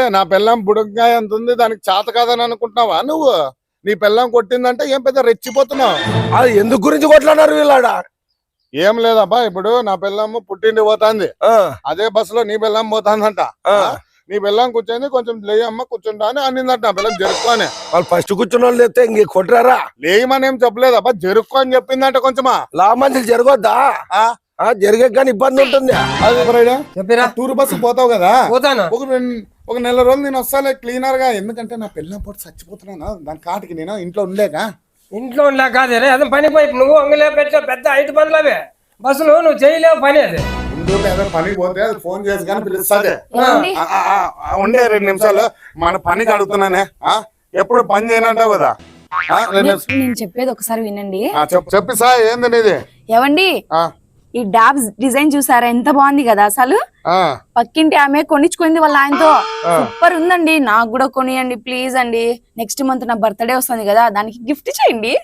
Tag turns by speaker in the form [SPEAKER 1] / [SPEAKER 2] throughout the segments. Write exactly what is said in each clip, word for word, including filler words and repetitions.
[SPEAKER 1] నా పిల్లం బుడకాయ ఎంత ఉంది, దానికి చేత కాదని అనుకుంటున్నావా నువ్వు? నీ పిల్లం కొట్టిందంటే ఏం పెద్ద రెచ్చిపోతున్నావు.
[SPEAKER 2] అది ఎందుకు గురించి కొట్లాడారు వీళ్ళాడ?
[SPEAKER 1] ఏం లేదబ్బా, ఇప్పుడు నా పిల్లమ్మ పుట్టింటి పోతాంది, అదే బస్సులో నీ పిల్లం పోతాందంట. నీ పిల్లం కూర్చొని కొంచెం లేయమ్మ కూర్చుంటా అని అన్నిందంట. నా పిల్లం జరుపుకోని.
[SPEAKER 2] వాళ్ళు ఫస్ట్ కూర్చున్న వాళ్ళు లేతే ఇంక కొట్టరారా?
[SPEAKER 1] లేయమని ఏం చెప్పలేదబ్బా, జరుక్కో అని చెప్పిందంట. కొంచెమా
[SPEAKER 2] లా మంది జరగొద్దా? జరిగే కానీ ఇబ్బంది ఉంటుంది.
[SPEAKER 1] టూర్ బస్సు పోతావు కదా, ఒక ఒక నెల రోజులు నేను వస్తాలే క్లీనర్ గా. ఎందుకంటే నా పిల్లం పోటీ చచ్చిపోతున్నాను, దాని కాటికి నేను ఇంట్లో ఉండలేక.
[SPEAKER 3] ఇంట్లో ఉండలే కాదే, అదే పని పోయి నువ్వు అంగలే పెట్టా పెద్ద ఐదు పనులు అవే బస్సులు నువ్వు చేయలేవు పని. అది
[SPEAKER 1] ఏదో పని పోతే అది ఫోన్ చేసి కానీ పిలుస్తుంది. ఉండే రెండు నిమిషాలు మన పనికి అడుగుతున్నానే, ఎప్పుడు పని చేయనంటావు కదా.
[SPEAKER 4] నేను చెప్పేది ఒకసారి వినండి.
[SPEAKER 1] చెప్పి సా ఏంది నీది?
[SPEAKER 4] ఏవండి, ఈ డాబ్స్ డిజైన్ చూసారా, ఎంత బాగుంది కదా అసలు. పక్కింటి ఆమె కొనిచ్చుకుంది వాళ్ళ ఆయనతో, సూపర్ ఉందండి. నాకు కూడా కొనియండి ప్లీజ్ అండి. నెక్స్ట్ మంత్ నా బర్త్డే వస్తుంది కదా, దానికి గిఫ్ట్ చేయండి.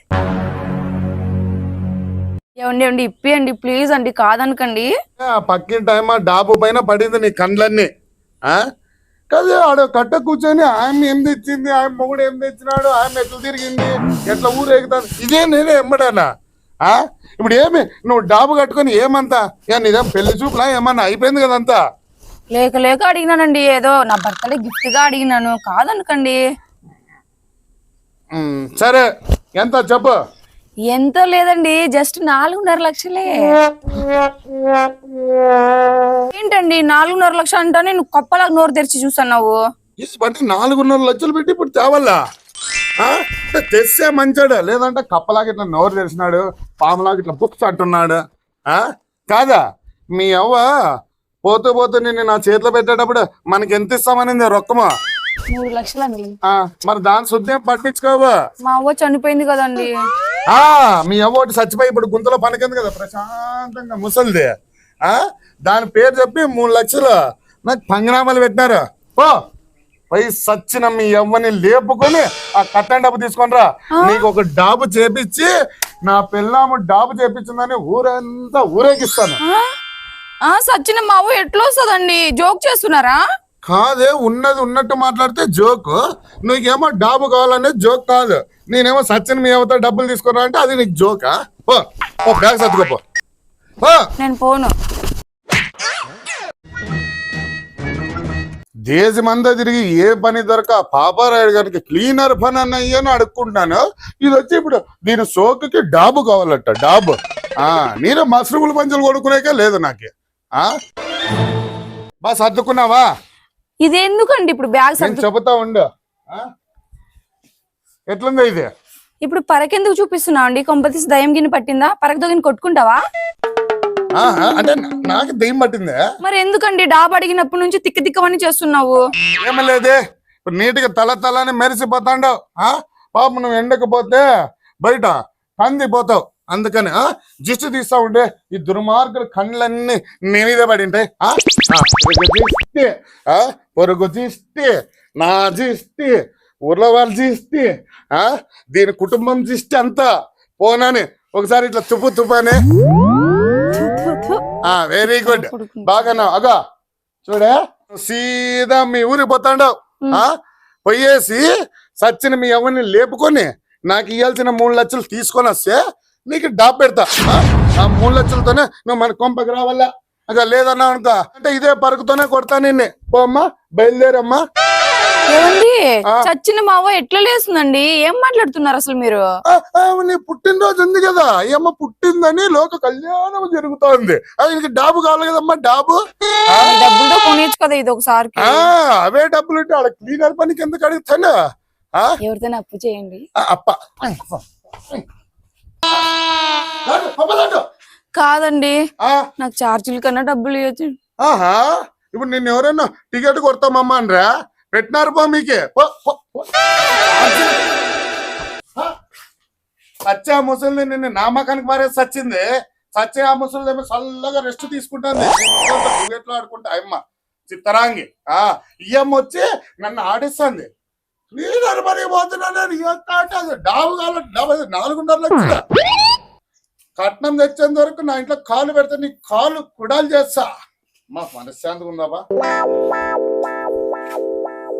[SPEAKER 4] ఏమండి ఏమండి ఇప్పియండి ప్లీజ్ అండి, కాదనకండి.
[SPEAKER 1] పక్కింటి ఆమె డాబు పైన పడింది నీ కండ్లన్నీ కదా. ఆడ కట్ట కూర్చొని ఆమె ఏం తెచ్చింది, ఆయన మొగుడు ఏం తెచ్చినాడు, ఆమె ఎట్లా తిరిగింది, ఎట్లా ఊరేగుతాను, ఇదే నేనే ఎమ్మడానా? ఇప్పుడు ఏమి నువ్వు డాబు కట్టుకొని ఏమంతా నీదేం పెళ్లి చూపులా ఏమన్నా అయిపోయింది కదంతా?
[SPEAKER 4] లేక లేక అడిగినానండి, ఏదో నా బర్త్డే గిఫ్ట్ గా అడిగినాను, కాదనకండి.
[SPEAKER 1] సరే ఎంత చెప్పు?
[SPEAKER 4] ఎంతో లేదండి, జస్ట్ నాలుగున్నర లక్షలే. ఏంటండి నాలుగున్నర లక్షలు అంటానే నువ్వు కప్పలా నోరు తెరిచి చూస్తున్నావు.
[SPEAKER 1] అంటే నాలుగున్నర లక్షలు పెట్టి ఇప్పుడు తేవాలా? తెస్తే మంచాడు, లేదంటే కప్పలాగా ఇట్లా నోరు తెరిచినాడు, పాములాగా ఇట్లా బుక్స్ అంటున్నాడు కాదా? మీ అవ్వ పోతూ పోతూ నిన్ను నా చేతిలో పెట్టేటప్పుడు మనకి ఎంత ఇస్తామనింది రొక్కమా?
[SPEAKER 4] మూడు లక్షలు అండి.
[SPEAKER 1] మరి దాని శుద్ధం పట్టించుకోవా?
[SPEAKER 4] మా అవ్వ చనిపోయింది కదండి.
[SPEAKER 1] ఆ మీ అవ్వ ఒకటి చచ్చిపోయి ఇప్పుడు గుంతలో పనికింది కదా ప్రశాంతంగా ముసలిది. ఆ దాని పేరు చెప్పి మూడు లక్షలు నాకు పంగనామాలు పెట్టినారు. పో పై సచ్చిన మీ అవ్వని లేపుకొని ఆ కట్టని డబ్బు తీసుకొనిరా. నీకు ఒక డాబు చేపించి నా పిల్లము డాబు చేపించిందని ఊరంతా ఊరేగిస్తాను.
[SPEAKER 4] సచ్చిన మా అవ్వ ఎట్లా వస్తుందండి? జోక్ చేస్తున్నారా?
[SPEAKER 1] కాదే, ఉన్నది ఉన్నట్టు మాట్లాడితే జోక్. నీకేమో డాబు కావాలనే జోక్ కాదు. నేనేమో సచిన మీ అవ్వతో డబ్బులు తీసుకున్నా అంటే అది నీకు జోకా? ఓ బ్యాగ్ సర్దుకోపో.
[SPEAKER 4] నేను పోను.
[SPEAKER 1] దేశమంతా తిరిగి ఏ పని దొరక పాపారాయుడు గారికి క్లీనర్ పని అన్న అయ్యాను అడుక్కుంటున్నాను. ఇది వచ్చి ఇప్పుడు దీని సోకుకి డాబు కావాలట. డాబు నేను మష్రూములు పంచులు కొనుక్కునేకే లేదు నాకు. బా సర్దుకున్నావా?
[SPEAKER 4] ఇది ఎందుకండి ఇప్పుడు బ్యాగ్
[SPEAKER 1] చెబుతా ఉండు. ఎట్లుంది ఇది?
[SPEAKER 4] ఇప్పుడు పరకెందుకు చూపిస్తున్నావు అండి? కొంపతీసి దయ్యం గిన్నె పట్టిందా? పరక దొగిని కొట్టుకుంటావా?
[SPEAKER 1] అంటే నాకు దెయ్యం పట్టిందే.
[SPEAKER 4] మరి ఎందుకండి డాబు అడిగినప్పటి నుంచి తిక్క తిక్కవని చేస్తున్నావు?
[SPEAKER 1] ఏమలేదే, ఇప్పుడు నీటిగా తల తలని మెరిసిపోతాండావు. పాప నువ్వు ఎండకపోతే బయట కందిపోతావు. అందుకని జిస్టు తీస్తా ఉంటే ఈ దుర్మార్గుల కళ్ళన్నీ నీ మీద పడి ఉంటాయి. జిస్టి పొరుగు జిస్టి, నా జిస్టి, ఊర్లో వాళ్ళ జిస్టి, దీని కుటుంబం జిస్టి అంతా పోనాని ఒకసారి ఇట్లా తుప్పు తుప్పని. వెరీ గుడ్, బాగా అగా చూడే సీదా మీ ఊరికి పోతాండావు. పోయేసి సచ్చిన మీ ఎవరిని లేపుకొని నాకు ఇవ్వాల్సిన మూడు లక్షలు తీసుకొని వస్తే నీకు డాబ్ పెడతా. ఆ మూడు లక్షలతోనే నువ్వు మన కొంపకి రావాలా? అదే లేదన్నా అనుకో అంటే ఇదే పరుకుతోనే కొడతా నిన్ను. పోమ్మా, బయలుదేరమ్మా.
[SPEAKER 4] ఏమండి, చచ్చిన మా అవ్వ ఎట్లా లేస్తుందండి? ఏం మాట్లాడుతున్నారు అసలు మీరు?
[SPEAKER 1] నీ పుట్టినరోజు ఉంది కదా, ఏమో పుట్టిందని లోక కళ్యాణం జరుగుతోంది. అది డాబు కావాలి కదమ్మా, డాబు.
[SPEAKER 4] డబ్బులతో కొనేచ్చు కదా ఇది ఒకసారి.
[SPEAKER 1] అవే డబ్బులు ఉంటే ఆడ క్లీనర్ పనికి ఎందుకు అడుగుతాను?
[SPEAKER 4] ఎవరితోనే అప్పు చేయండి.
[SPEAKER 1] అప్ప
[SPEAKER 4] కాదండి, నాకు ఛార్జీల కన్నా డబ్బులు ఇవ్వచ్చు.
[SPEAKER 1] ఆహా, ఇప్పుడు నిన్ను ఎవరైనా టికెట్ కొడతామమ్మా అనరా? పెట్టినారు పో మీకే. సచ్చే ఆ ముసలి నిన్ను నామకానికి మారేసి సచ్చింది. సచ్చే ఆ ముసలి ఏమో చల్లగా రెస్ట్ తీసుకుంటుంది. ఎట్లా ఆడుకుంటా అమ్మ చిత్తరాంగి. ఆ ఇయ్యమ్మ వచ్చి నన్ను ఆడిస్తుంది. క్లీనర్ పని పోతున్నాను డాబు కావాలి. డాబు నాలుగున్నర లక్షల కట్నం తెచ్చేంత వరకు నా ఇంట్లో కాలు పెడితే నీ కాలు కుడాలు చేస్తా. మా మనశ్శాంతిగా ఉందాబా?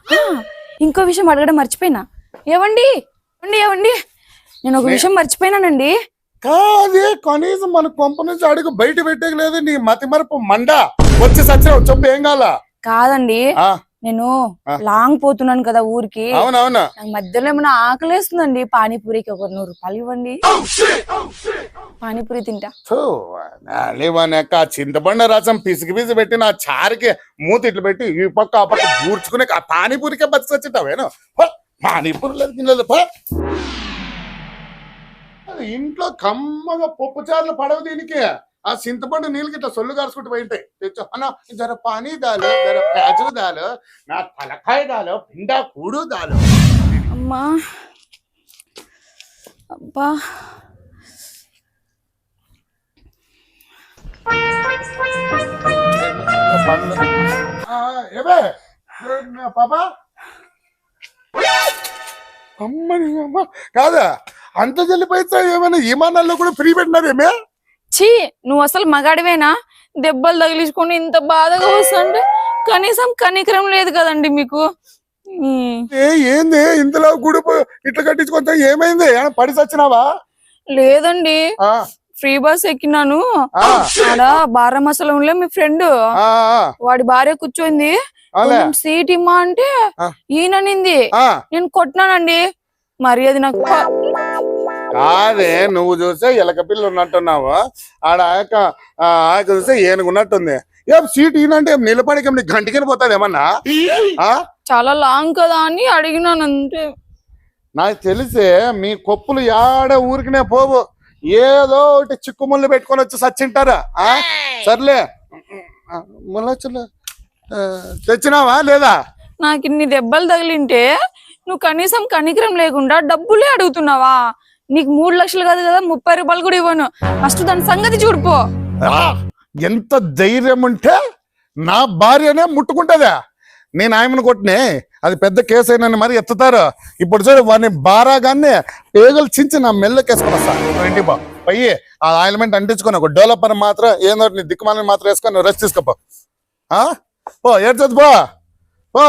[SPEAKER 4] ఆ, ఇంకో విషయం అడగడం మర్చిపోయినా. ఏవండి ఏవండి ఏవండి నేను ఒక విషయం మర్చిపోయినానండి.
[SPEAKER 1] కాదే కనీసం మన కొంప నుంచి అడుగు బయట పెట్టలేదు. నీ మతి మరపు మండ వచ్చి సచ్చినావు చెప్పు ఏం కావాలా?
[SPEAKER 4] కాదండి
[SPEAKER 1] ఆ,
[SPEAKER 4] నేను
[SPEAKER 1] ఆ.
[SPEAKER 4] లాంగ్ పోతున్నాను కదా ఊరికి.
[SPEAKER 1] అవునవునా
[SPEAKER 4] నాకు మధ్యలో ఏమైనా ఆకలేస్తుందండి. పానీపూరికి ఒక నూరు రూపాయలు ఇవ్వండి, పానీపూరి తింటా.
[SPEAKER 1] లేవనక్క చింతపండు రసం పిసికి పిసి పెట్టి నా చారికి మూతి ఇట్లు పెట్టి ఈ పక్క ఆ పక్క కూర్చుకునే ఆ పానీపూరికే బతికి వచ్చింటావేను. పానీపూరి లేదు తినలేదు. పో. అది ఇంట్లో కమ్మగా పప్పు చారులు పడవు దీనికి. ఆ చింతపండు నీళ్ళకి ఇట్లా సొల్లు కారుచుకుంటూ పోయింటాయి. తెచ్చు అన్న జర పానీ దాలు, జర ప్యాజు దాలు, నా తలకాయ దాలు, పిండా కూడు దాలు.
[SPEAKER 4] అమ్మా అబ్బా
[SPEAKER 1] ఏవే పాపా అమ్మని అమ్మ కాదా అంత జల్లిపోయితే ఏమైనా విమానాల్లో కూడా ఫ్రీ పెట్టినారేమే?
[SPEAKER 4] ఛీ నువ్వు అసలు మగాడివేనా? దెబ్బలు తగిలించుకొని ఇంత బాధగా వస్తుంటే కనీసం కనికరం లేదు కదండి మీకు. ఈ,
[SPEAKER 1] ఏ ఏంది ఇంతలో గుడి ఇట్లా కట్టించుకుంటా ఏమైంది? ఏమైనా పడి సచ్చినావా?
[SPEAKER 4] లేదండి
[SPEAKER 1] ఆ,
[SPEAKER 4] ఫ్రీ బస్ ఎక్కినాను.
[SPEAKER 1] ఆ,
[SPEAKER 4] ఆడ బారమసలంలో మీ ఫ్రెండ్
[SPEAKER 1] ఆ, ఆ,
[SPEAKER 4] వాడి భార్య కూర్చోయింది.
[SPEAKER 1] అలే.
[SPEAKER 4] కొంచెం సీట్ ఇమ్మా అంటే
[SPEAKER 1] ఆ.
[SPEAKER 4] ఈయననింది.
[SPEAKER 1] ఆ.
[SPEAKER 4] నేను కొట్టినానండి. మరి అది నాకు
[SPEAKER 1] కాదే నువ్వు చూసే ఎలక పిల్ల ఉన్నట్టున్నావు. ఆడ ఆయక ఆయక చూస్తే ఏనుగున్నట్టుంది. ఏం సీట్ ఈయనంటే ఏం నిలబడికి నీకు గంటికి పోతుంది ఏమన్నా? ఆ
[SPEAKER 4] చాలా లాంగ్ కదా అని అడిగినాను అంతే.
[SPEAKER 1] నాకు తెలిసే మీ కొప్పులు యాడ ఊరికినే పోవు. ఏదో ఒకటి చిక్కుముళ్ళు పెట్టుకొని వచ్చి సచ్చింటారా? ఆ సర్లే ముళ్ళొచ్చులు తెచ్చినావా లేదా?
[SPEAKER 4] నాకు ఇన్ని దెబ్బలు తగిలింటే నువ్వు కనీసం కనికరం లేకుండా డబ్బులే అడుగుతున్నావా? నీకు మూడు లక్షలు కాదు కదా, ముప్పై రూపాయలు కూడా ఇవ్వను. ఫస్ట్ దాని సంగతి చూడిపో.
[SPEAKER 1] ఆ, ఎంత ధైర్యం ఉంటే నా భార్యనే ముట్టుకుంటుందా? నేను ఆయమను కొట్టినే అది పెద్ద కేసు అయినా మరి ఎత్తుతారు. ఇప్పుడు చూడు వాడిని బారాగానే పేగలు చించి నా మెల్లకేసుకొని వస్తాను. ఇంటి బా పోయి ఆ ఆయిల్మెంట్ అంటించుకొని ఒక డెవలపర్ మాత్రం ఏదో నీ దిక్కుమాలని మాత్రం వేసుకొని నువ్వు రెస్ట్ తీసుకోపో. ఆ పో ఏడ్చదు పో పో.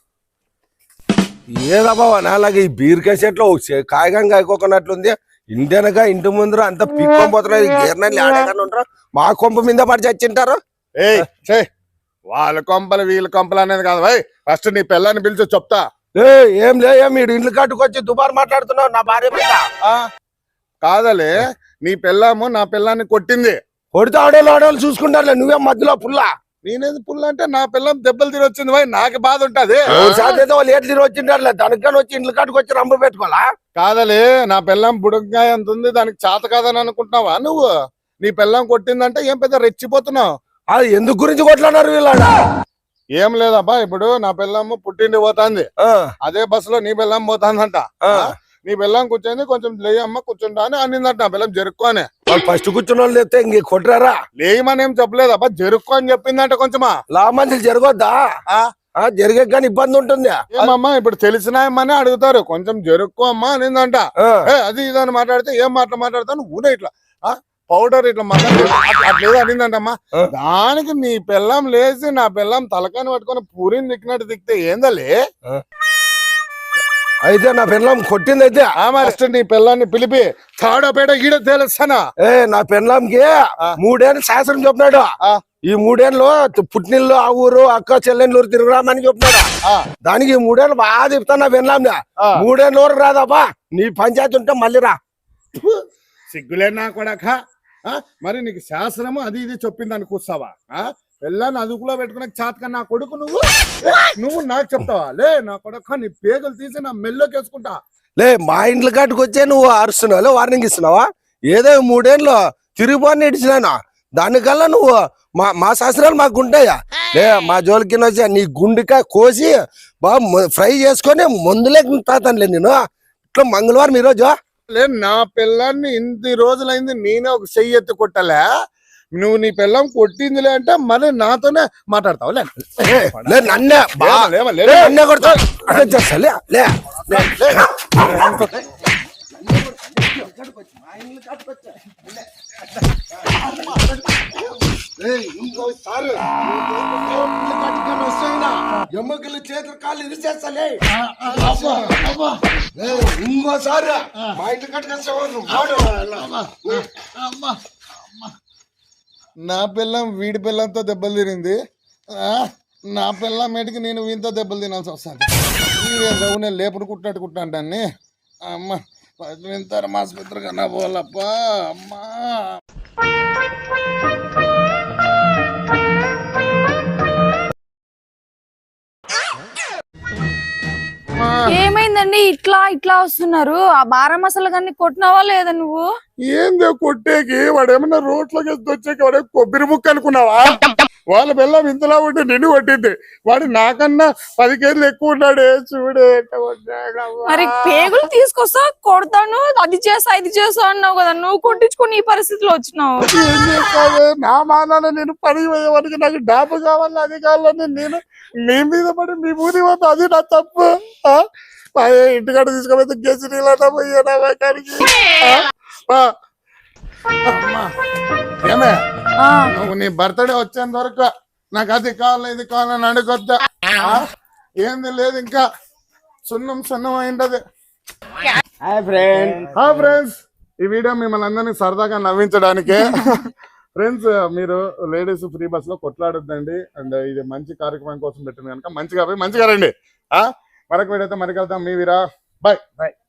[SPEAKER 2] ఏదబ్బా నాలాగే ఈ బీరకాయ చెట్లు కాయగా కాయకోకున్నట్లుంది. ఇంటెనక ఇంటి ముందర అంత పిక్కొని పోతున్నారు. గీర్నలు ఆడగానే ఉంటారు. మా కొంప మీద పడి చచ్చింటారు.
[SPEAKER 1] ఏయ్ చే వాళ్ళ కొంపలు వీళ్ళ కొంపలు అనేది కాదు భయ్. ఫస్ట్ నీ పిల్లని పిలిచి చెప్తా.
[SPEAKER 2] ఏ ఏం లే మీరు ఇండ్లు కట్టుకొచ్చి దుబారు మాట్లాడుతున్నావు నా భార్య మీద.
[SPEAKER 1] ఆ కాదలే నీ పిల్లము నా పిల్లాన్ని కొట్టింది.
[SPEAKER 2] కొడితే ఆడోళ్ళు ఆడోళ్ళు చూసుకుంటారులే, నువ్వేం మధ్యలో పుల్లా.
[SPEAKER 1] నేనేది పుల్ల అంటే నా పిల్లం దెబ్బలు తిని వచ్చింది భయ్. నాకు బాధ ఉంటది.
[SPEAKER 2] సాధ్యత వాళ్ళు ఏట్లు తిరిగి వచ్చింటారులే, దానికి వచ్చి ఇండ్లు కట్టుకొచ్చి రంబ పెట్టుకోవాలా?
[SPEAKER 1] కాదలే నా పిల్లం బుడకాయ అంత ఉంది, దానికి చేత కాదని అనుకుంటున్నావా నువ్వు? నీ పిల్లం కొట్టిందంటే ఏం పెద్ద రెచ్చిపోతున్నావు.
[SPEAKER 2] అది ఎందుకు గురించి కొట్లాడారు వీళ్ళ?
[SPEAKER 1] ఏం లేదబ్బా, ఇప్పుడు నా పిల్లము పుట్టిండి పోతాంది, అదే బస్సులో నీ పిల్లం పోతాందంట. నీ పిల్లం కూర్చొని కొంచెం లేయమ్మ కూర్చుంటా అని అనిందంట. నా పిల్లం జరుక్కో అని.
[SPEAKER 2] ఫస్ట్ కూర్చున్న వాళ్ళు చెప్తే ఇంక కొట్టరారా?
[SPEAKER 1] లేయమని ఏం చెప్పలేదబ్బా, జరుక్కో అని చెప్పిందంట. కొంచెమా
[SPEAKER 2] లా మంది జరగొద్దా? జరిగే కానీ ఇబ్బంది ఉంటుంది.
[SPEAKER 1] ఏమమ్మా ఇప్పుడు తెలిసినాయమ్మని అడుగుతారు. కొంచెం జరుక్కో అమ్మా అనిందంట. అది ఇదని మాట్లాడితే ఏం మాటలు మాట్లాడతాను ఊనే ఇట్లా పౌడర్ ఇట్లా మాట్లాడు అట్లేదో అనిందంటమ్మా. దానికి నీ పిల్లం లేచి నా పిల్లం తలకాని పట్టుకొని పూరిని దిక్కినట్టు దిక్కితే ఏందలే?
[SPEAKER 2] అయితే నా పెళ్ళం కొట్టింది అయితే
[SPEAKER 1] ఫస్ట్ నీ పిల్లాన్ని పిలిపి తాడోపేట ఈడ తేలుస్తానా?
[SPEAKER 2] ఏ నా పెళ్ళంకి మూడేళ్ళు శాస్త్రం చెప్పినాడు. ఈ మూడేళ్ళు పుట్టినిల్లు ఆ ఊరు అక్క చెల్లెళ్ళు తిరుగురామని చెప్పినాడు. దానికి ఈ మూడేళ్ళు బాగా చెప్తాను నా పెళ్ళాం. మూడేళ్ళు ఊరు రాదాపా, నీ పంచాయతీ ఉంటే మళ్ళీ రా.
[SPEAKER 1] సిగ్గులేనా కొడక? మరి నీకు శాస్త్రము అది ఇది చెప్పింది అని కూర్చావా? పిల్లని అదుపులో పెట్టుకునే చాతక నా కొడుకు నువ్వు నువ్వు నాకు చెప్తావా? లే నా కొడుక నీ పేగలు తీసి నా మెల్లోకి వేసుకుంటా.
[SPEAKER 2] లే మా ఇంట్లో కట్టుకొచ్చే నువ్వు అరుస్తున్నావు, వార్నింగ్ ఇస్తున్నావా? ఏదో మూడేళ్ళు తిరిగిపోని ఇడిచినాను, దానికల్లా నువ్వు మా మా శాస్త్రాలు మాకు ఉంటాయా? లే మా జోలికి వచ్చి నీ గుండెకాయ కోసి బాగా ఫ్రై చేసుకొని మందులే తాతానులే నేను. ఇట్లా మంగళవారం ఈరోజు
[SPEAKER 1] లే నా పిల్లాన్ని ఇన్ని రోజులైంది నేనే ఒక చెయ్యి ఎత్తి కొట్టలే. నువ్వు నీ పిల్లం కొట్టిందిలే అంటే మరి నాతోనే మాట్లాడతావు?
[SPEAKER 2] లే నన్నే నన్నే కొడతావు. ఎమ్మకలు చేతులు కాళ్ళు ఇరిచేస్తాలే
[SPEAKER 1] అబ్బా అబ్బా
[SPEAKER 2] ఏయ్, ఇంకోసారి మా ఇంటి కట్టుకొచ్చావు నువ్వు వాడు.
[SPEAKER 1] అమ్మా అమ్మా. నా పిల్లం వీడి పిల్లంతో దెబ్బలు తిరింది ఆ, నా పిల్లం మేటికి నేను వీంతో దెబ్బలు తినాల్సి వస్తుంది నేను లేపుడు కుట్టినట్టు కుట్టాంటాన్ని అమ్మ వింటారు ఆసుపత్రి కన్నా పోలప్పా అమ్మా.
[SPEAKER 4] ఏమైందండి ఇట్లా ఇట్లా వస్తున్నారు? ఆ బారా మసాలా కానీ కొట్టినావా లేదా నువ్వు?
[SPEAKER 1] ఏందో కొట్టేకి వాడు ఏమన్నా రోడ్లోకి వచ్చాక వాడే కొబ్బరి ముక్క అనుకున్నావా? వాళ్ళ పిల్లం ఇంతలా ఉంటే నిన్ను కొట్టింది. వాడు నాకన్నా పది కేజీలు ఎక్కువ ఉన్నాడే చూడే.
[SPEAKER 4] మరి పేగులు తీసుకొస్తా కొడతాను, అది చేసా ఇది చేసా అన్నావు కదా, నువ్వు కొట్టించుకుని ఈ పరిస్థితిలో వచ్చినావు.
[SPEAKER 1] ఏం చేస్తావే నా మానాన నేను పని పోయేవాడికి నాకు డాబు కావాలి అది కావాలని నేను మీ మీద పడి మీ ఊరి పోతా అది నా తప్పు. ఆ? మా ఇంటికాడ తీసుకుపోతే గెసి నీళ్ళ పోయానా వాకానికి. ఆ? అమ్మా. ఏమే
[SPEAKER 4] ఆ,
[SPEAKER 1] నువ్వు నీ బర్త్డే వచ్చేంత వరకు నాకు అది కావాలి ఇది కావాలని అడుగొద్దా? ఆ? ఏంది లేదు ఇంకా సున్నం సున్నం అయింటది.
[SPEAKER 3] Hi friend.
[SPEAKER 1] హాయ్ ఫ్రెండ్స్, ఈ వీడియో మిమ్మల్ని అందరినీ సరదాగా నవ్వించడానికే. ఫ్రెండ్స్, మీరు లేడీస్ ఫ్రీ బస్ లో కొట్లాడొద్దండి. అండ్ ఇది మంచి కార్యక్రమం కోసం పెట్టింది కనుక మంచిగా పోయి మంచిగా రండి. ఆ మరొక వీడియోతో మరి కలుద్దాం. మీ వీరా బాయ్ బాయ్.